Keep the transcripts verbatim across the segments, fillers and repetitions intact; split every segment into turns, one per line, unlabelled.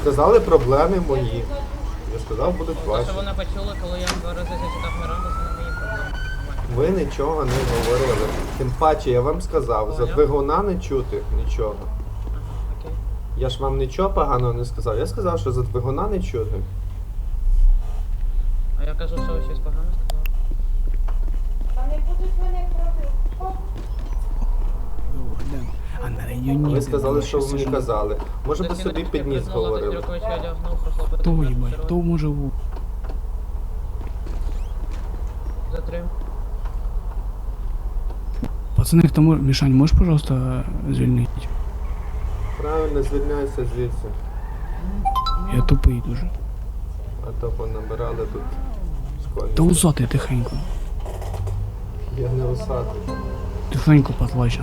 сказали проблеми мої. Я сказав, будуть
Те,
ваші.
що вони почули, коли я два рази зачитав Міранду, це не мої проблеми.
Ви нічого не говорили. Тим паче я вам сказав, за
Поняв.
двигуна не чути нічого.
Ага, окей.
Я ж вам нічого поганого не сказав. Я сказав, що за двигуна не чути.
А я кажу, що ви щось погане сказали.
Вони будуть мене пробити.
А на районі...
Ви сказали, що ви мені казали. Може би собі під ніс говорили.
Юркович одягнув, пройшло
Хто їбать, хто може в...
Затрим.
Пацани, хто може... Мішань, можеш, пожалуйста, звільнити?
Правильно, звільняйся звідси.
Я тупий дуже.
А то понабирали тут школьні.
Та усатий тихенько.
Я не усатий.
Тихенько, потлачно.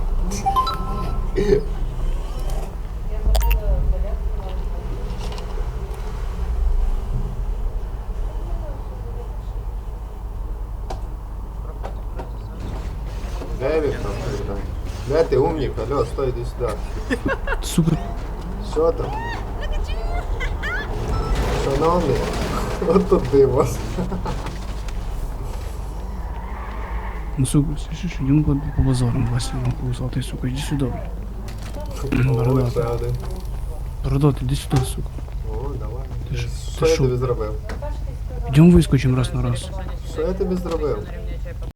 Де він там? Богдан? Де ти, умник? Алло, стой, іди сюди.
Сука,
Що там? Шановний, от тут дивос.
ну сука, слышиш, йдемо по, по базарам, Вася, ну усатий, сука, іди сюди.
О,
Бородатий.
ще один.
Бородатий, іди сюди, сука.
О, давай.
Ти ж-
Що
ти
я
що?
тобі зробив?
Йдемо вискочимо раз на раз.
Що я тобі зробив?